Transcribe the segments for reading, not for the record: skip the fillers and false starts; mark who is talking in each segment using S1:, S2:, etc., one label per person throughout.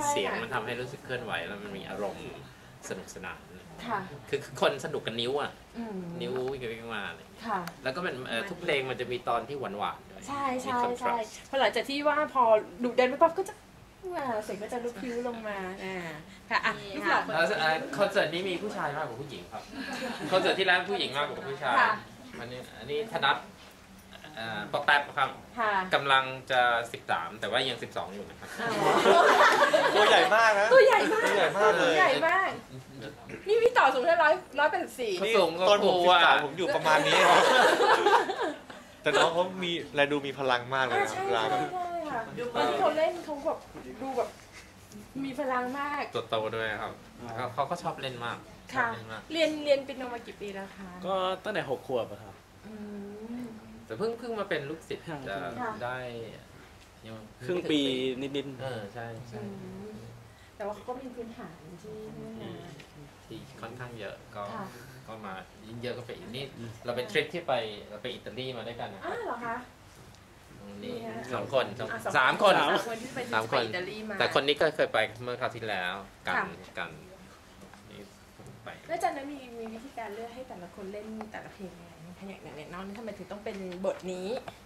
S1: เสียงมันทำให้รู้สึกเคลื่อนไหวแล้วมันมีอารมณ์สนุกสนาน
S2: ค่ะ
S1: คือคนสนุกกับนิ้วอ่ะนิ้ววิ่งมาอะไร
S2: ค่ะ
S1: แล้วก็เป็นทุกเพลงมันจะมีตอนที่หวานๆด้วย
S2: ใช่ใช่ใช่พอหลังจากที่ว่าพอดุเด่นไปปั๊บก็จะเสียงก็จะลุกพิ้วลงมาค่ะอ่ะลูกหลาน
S1: คอนเสิร์ตนี้มีผู้ชายมากกว่าผู้หญิงครับคอนเสิร์ตที่แล้วผู้หญิงมากกว่าผู้ชายอันนี้ธนัทปอกแป๊บครับกำลังจะ13แต่ว่ายัง12อยู่นะครับ
S3: ตัวใหญ่มากนะ
S2: ตัวใหญ่มาก
S3: ตัวใหญ่มากเลย
S2: ใหญ่มากนี่พี่ต่อสูงแค่184
S1: เขาสูง
S3: ตอนผม13ผมอยู่ประมาณนี้แต่น้องเขามีอะไรดูมีพลังมากเลยนะ
S2: ใช่ค่ะตอนที่เขาเล่นเขาแบบดูแบบมีพลังมาก
S1: ตัวโตด้วยครับเขาก็ชอบเล่นมาก
S2: ค่ะเรียนเป็นมากี่ปีแล้วคะ
S4: ก็ตั้งแต่6 ขวบครับ
S1: แต่เพิ่งมาเป็นลูกศิษย์จะได้
S4: ครึ่งปีนิด
S1: ใช่
S2: แต่ว่าเขาก็มีพื้นฐาน
S1: ที่ค่อนข้างเยอะก็มายิ่งเยอะก็ไปอีกนี่เราเป็นทริปที่เราไปอิตาลีมาด้วยกันนะ
S2: เหรอคะ
S1: นี่3 คน3 คนแต่คนนี้ก็เคยไปเมื่อคราวที่แล้วกันไป
S2: แล้วจากนั้นมีวิธีการเลือกให้แต่ละคนเล่นแต่ละเพลงยังไงอย่างน้องนี่ทำไมถึงต้องเป็นบทนี้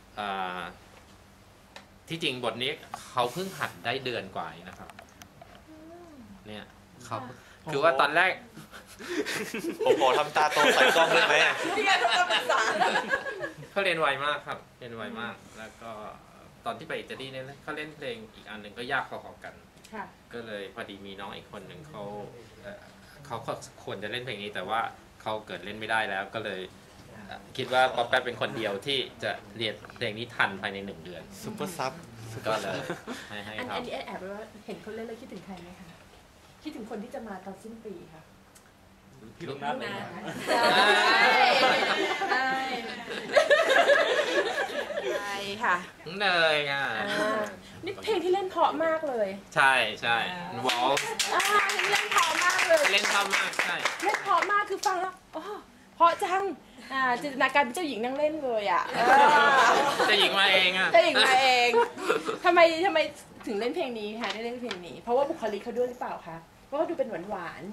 S1: ที่จริงบทนี้เขาเพิ่งหัดได้เดือนกว่านะครับเนี่ยเขาคือว่าตอนแรก
S3: ผมขอทำตาโตใส่กล้องได้ไหม
S1: เขาเรียนไวมากครับเรียนไวมากแล้วก็ตอนที่ไปอิตาลีเนี่ยเขาเล่นเพลงอีกอันหนึ่งก็ยากพอๆกันก็เลยพอดีมีน้องอีกคนหนึ่งเขาควรจะเล่นเพลงนี้แต่ว่าเขาเกิดเล่นไม่ได้แล้วก็เลยคิดว่าป๊อปแป๊บเป็นคนเดียวที่จะเรียนเพลงนี้ทันภายใน1 เดือน
S3: ซุปเปอร์ซับ
S1: ก็เลยให้
S2: อันนี้แอบว่าเห็นคนเล่นแล้วคิดถึงใครไหมคะคิดถึงคนที่จะมาตอนสิ้นปีค่ะ
S4: พี่ลูกนัดเลย
S2: ใช่ค่ะ
S1: เลย
S2: นี่เพลงที่เล่นเพราะมากเลย
S1: ใช่วอล
S2: เล่นเพราะมากเลย
S1: เล่นเพราะมากใช่
S2: เล่นเพราะมากคือฟังแล้วเพราะจังจินตนาการเป็นเจ้าหญิงนั่งเล่นเลย
S1: เจ้าหญิงมาเอง
S2: เจ้าหญิงมาเองทำไมถึงเล่นเพลงนี้คะได้เล่นเพลงนี้เพราะว่าบุคลิกเขาด้วยหรือเปล่าคะเพราะว่าดูเป็นหวาน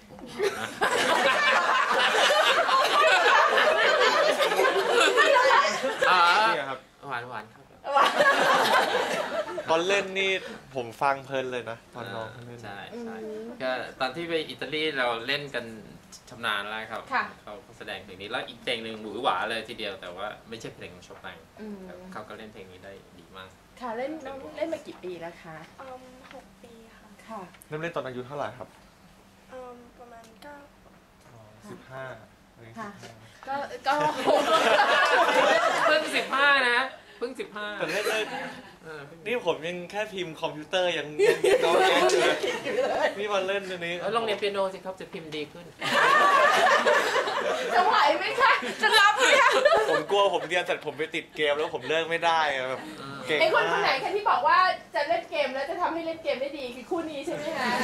S1: นี่ครับหวานครับ
S3: ตอนเล่นนี่ผมฟังเพลินเลยนะตอนน้องเล่น
S1: ใช่ก็ตอนที่ไปอิตาลีเราเล่นกันชำนาญแล้วครับเขาแสดงเพลงนี้แล้วอีกเพลงหนึ่งหวือหวาเลยทีเดียวแต่ว่าไม่ใช่เพลงของโชปังเขาก็เล่นเพลงนี้ได้ดีมาก
S2: ค่ะเล่นมากี่ปีแล้วคะ
S5: 6 ปี
S2: ค่ะ
S3: เริ่มเล่นตอนอายุเท่าไหร่ครับ
S5: ประมาณ
S3: 15
S2: ค่ะก็
S1: เพิ่ง15นะเพิ่ง15
S3: แต่เล่นนี่ผมยังแค่พิมพ์คอมพิวเตอร์ยังน้องแก่เลยนี่มาเล่นตัวนี้
S1: ลองเรียนเปียโนสิครับจะพิมพ์ดีขึ้น
S2: จะไหวไหมคะจะรับไหมคะ
S3: ผมกลัวผมเรียนเสร็จผมไปติดเกมแล้วผมเลิกไม่ได้แบบ
S2: เก่งคนไหนคะที่บอกว่าจะเล่นเกมแล้วจะทำให้เล่นเกมได้ดีคือคู่นี้ใช่ไหมคะ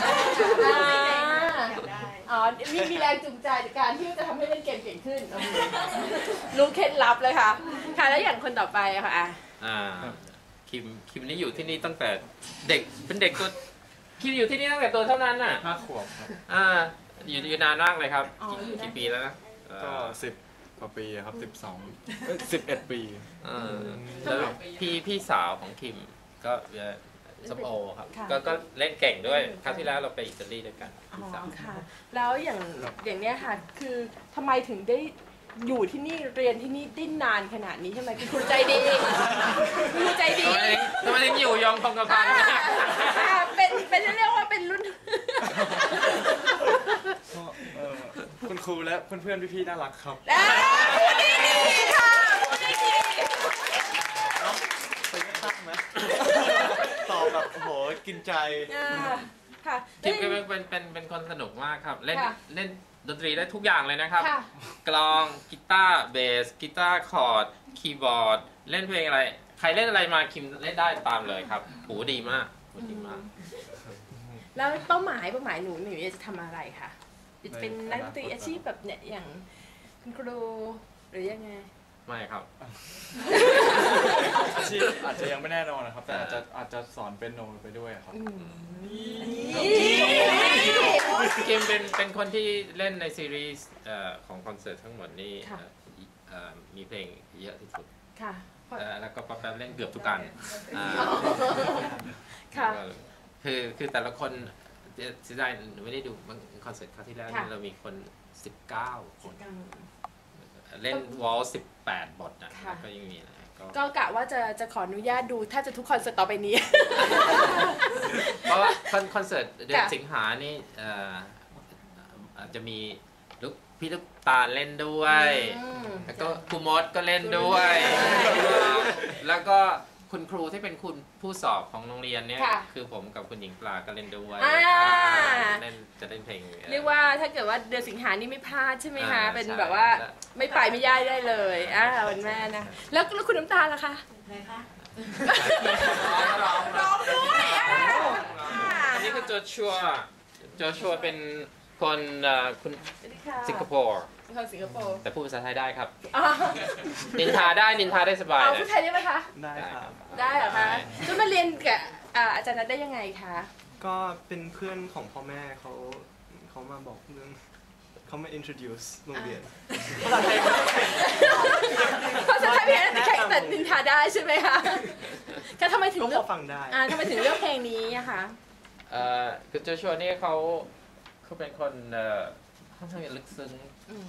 S2: มีแรงจูงใจจากการที่จะทำให้เล่นเกมเก่งขึ้นรู้เคล็ดลับเลยค่ะค่ะแล้วอย่างคนต่อไปค่ะ
S1: คิมนี่อยู่ที่นี่ตั้งแต่เด็กเป็นเด็กตัวคิมอยู่ที่นี่ตั้งแต่ตัวเท่านั้นน่ะ
S4: 5 ขวบครับ
S1: อยู่นานมากเลยครับกี่ปีแล้วนะ
S4: ก็10 กว่าปีครับ11 ปี
S1: แล้วพี่สาวของคิมก็สมโอครับก็เล่นเก่งด้วยครั้งที่แล้วเราไปอิตาลีด้วยกัน
S2: พี่สาวค่ะแล้วอย่างเนี้ยค่ะคือทำไมถึงได้อยู่ที่นี่เรียนที่นี่ได้นานขนาดนี้ใช่ไหมคือคุณใจดีคุณใจดี
S1: ทำไมถึงอยู่ยองคงกระพัน
S2: เป็นเรียกว่าเป็นรุ่น
S4: คุณครูและเพื่อนๆพี่ๆน่ารักครับ
S2: พูดดีค่ะพูดดี
S3: เป็นทักไหมตอบแบบโหกินใจ
S2: ค่ะ
S1: คิมก็เป็นคนสนุกมากครับเล่นดนตรีได้ทุกอย่างเลยนะครับกลองกีตาร์เบสกีตาร์คอร์ดคีย์บอร์ดเล่นเพลงอะไรใครเล่นอะไรมาคิมเล่นได้ตามเลยครับหูดีมาก
S2: แล้วเป้าหมายหนูจะทำอะไรคะเป็นนักดนตรีอาชีพแบบเนี่ยอย่างคุณครูหรือยังไง
S1: ไม่ครับ
S4: อาชีพอาจจะยังไม่แน่นอนนะครับแต่อาจจะสอนเปียโนไปด้วยครับ
S1: คิมเป็นคนที่เล่นในซีรีส์ของคอนเสิร์ตทั้งหมดนี่มีเพลงเยอะที่สุด
S2: ค่ะ
S1: แล้วก็ป๊อปแป๊บเล่นเกือบทุกอัน
S2: ค่ะ
S1: คือแต่ละคนเสียดายหนูไม่ได้ดูคอนเสิร์ตคราวที่แล้วเรามีคน19 คนเล่นวอล18 บทนะก็ยังมีนะ
S2: ก็กะว่าจะขออนุญาตดูถ้าจะทุกคอนเสิร์ตต่อไปนี้
S1: เพราะว่าคอนเสิร์ตเดือนสิงหานี่อาจจะมีพี่ลูกตาเล่นด้วยแล้วก็ครูมดก็เล่นด้วยแล้วก็คุณครูที่เป็นคุณผู้สอบของโรงเรียนเนี่ยคือผมกับคุณหญิงปลาก็เล่นด้วยจะเล่นเพลง
S2: เรียกว่าถ้าเกิดว่าเดือนสิงหานี่ไม่พลาดใช่ไหมคะเป็นแบบว่าไม่ไปไม่ย่ายได้เลยวันแม่นะแล้วคุณน้ำตาลล่ะคะไหนคะร้องด้วย
S1: อันนี้คือโจชัวเป็นคนสิงคโปร์แต่พูดภาษาไทยได้ครับนินทาได้สบาย
S2: พูดไทยได้ไหมคะ
S3: ได้ครับ
S2: ได้เหรอคะจะมาเรียนกับอาจารย์นัทได้ยังไงคะ
S3: ก็เป็นเพื่อนของพ่อแม่เขามาบอกเรื่องเขามา introduce โรงเรียน
S2: ภาษาไทยแต่นินทาได้ใช่ไหมคะก็ทำไมถึงเลือก
S3: ฟังได้
S2: ทำไมถึงเลือกเพลงนี้อะคะ
S1: คือโจชัวนี่เขาเป็นคนค่อนข้างลึกซึ้ง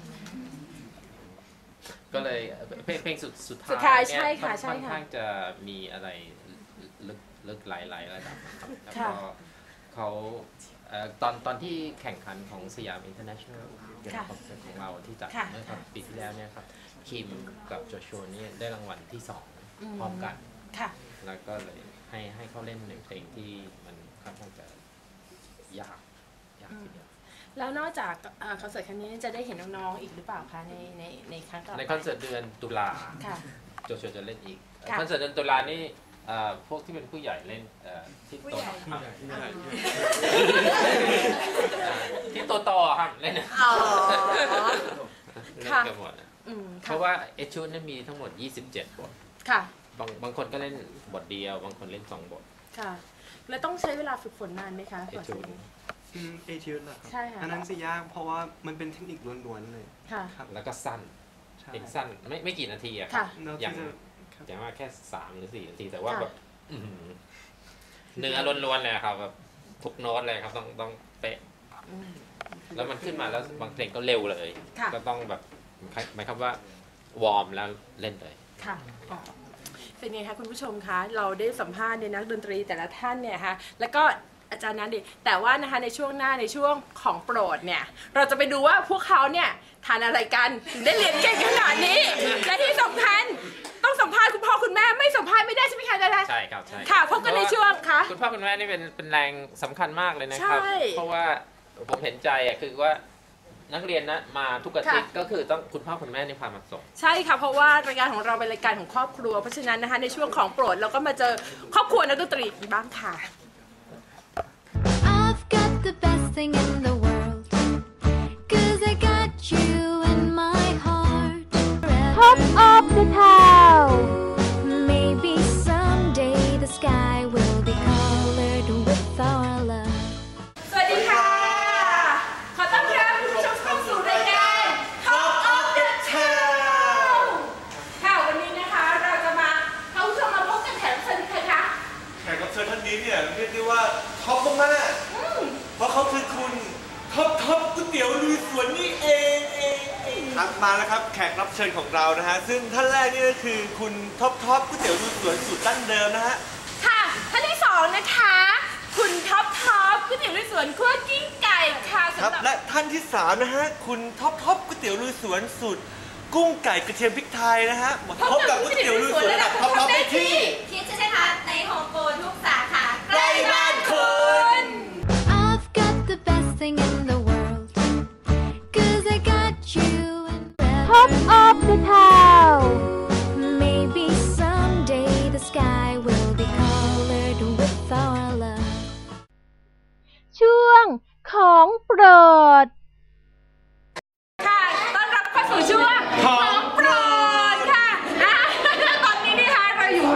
S1: ก็เลยเพลงสุดท้ายเนี่ยค่อนข้างจะมีอะไรลึกหลายระดับแล้วก็เขาตอนที่แข่งขันของสยาม International คอนเสิร์ตของเราที่จัดเมื่อปีที่แล้วเนี่ยครับคิมกับโจชัวนี่ได้รางวัลที่2พร้อมกันแล้วก็เลยให้เขาเล่นในเพลงที่มันค่อนข้างจะยากทีเดียว
S2: แล้วนอกจากคอนเสิร์ตครั้งนี้จะได้เห็นน้องๆอีกหรือเปล่าคะในครั้งต่อไป
S1: ในคอนเสิร์ตเดือนตุลาโจชัวจะเล่นอีกคอนเสิร์ตเดือนตุลานี่พวกที่เป็นผู้ใหญ่เล่นที่โตที่โตครับเล่นกันหมดเพราะว่าเอชูนั้นมีทั้งหมด27 บทบางคนก็เล่นบทเดียวบางคนเล่น2 บท
S2: ค่ะแล้วต้องใช้เวลาฝึกฝนนานไหมคะ
S1: เอชู
S3: เอทิวส์เหรอครับใช่ค่ะอันนั้นสิยากเพราะว่ามันเป็นเทคนิคล้วนๆเลย
S2: ค่ะ
S1: แล้วก็สั้นเป็นสั้นไม่กี่นาทีอะครับอย่างว่าแค่3 หรือ 4 นาทีแต่ว่าแบบเนื้อล้วนๆเลยครับแบบทุกโน้ตเลยครับต้องเป๊ะแล้วมันขึ้นมาแล้วบางเพลงก็เร็วเลยก็ต้องแบบหมายความว่าวอร์มแล้วเล่นเลย
S2: ค่ะเป็นไงคะคุณผู้ชมคะเราได้สัมภาษณ์ในนักดนตรีแต่ละท่านเนี่ยค่ะแล้วก็อาจารย์นั้นดิแต่ว่านะคะในช่วงหน้าในช่วงของโปรดเนี่ยเราจะไปดูว่าพวกเขาเนี่ยทานอะไรกันถึงได้เรียนเก่งขนาดนี้และที่สำคัญต้องสัมภาษณ์คุณพ่อคุณแม่ไม่สัมภาษณ์ไม่ได้ใช่ไหมคะอาจารย์
S1: ใช่ครับใช่
S2: ค่ะพบกันในช่วงค่ะ
S1: คุณพ่อคุณแม่นี่เป็นแรงสำคัญมากเลยนะครับเพราะว่าผมเห็นใจคือว่านักเรียนนะมาทุกอาทิตย์ก็คือต้องคุณพ่อคุณแม่นี่พามาส่ง
S2: ใช่ค่ะเพราะว่ารายการของเราเป็นรายการของครอบครัวเพราะฉะนั้นนะคะในช่วงของโปรดเราก็มาเจอครอบครัวนักดนตรีบ้างค่ะ
S6: The best thing in the world 'cause I got you in my heart Top of the town Maybe someday the sky will be colored with our love
S2: สวัสดีค่ะขอต้อนรับคุณผู้ชมเข้าสู่รายการ Top of the town ค่ะวันนี้นะคะเราจะมาเข้าชมมาพบกับแขกรับเชิญใครคะ
S3: แขกรับเชิญท่านนี้เนี่ยเรียกได้ว่าท็อปมากเพราะเขาคือคุณท็อปก๋วยเตี๋ยวลุยสวนนี่เองครับมาแล้วครับแขกรับเชิญของเรานะฮะซึ่งท่านแรกนี่ก็คือคุณท็อปก๋วยเตี๋ยวลุยสวนสูตรดั้งเดิมนะฮะ
S2: ค่ะท่านที่2นะคะคุณท็อปก๋วยเตี๋ยวลุยสวนคั่วกิ้งไก่ค่ะ
S3: ครับและท่านที่3นะฮะคุณท็อปก๋วยเตี๋ยวลุยสวนสูตรกุ้งไก่กระเทียมพริกไทยนะฮะพบกับก๋วยเตี๋ยวลุยสวนระดับท็อปได้ที่
S5: คิดใช่ไหมคะในโฮมโปรทุกสาขา
S3: ใกล้บ้านคุณ
S6: The best thing in the world 'cause I got you in Top of the town Maybe someday the sky will be colored with our love ช่วงของโปรด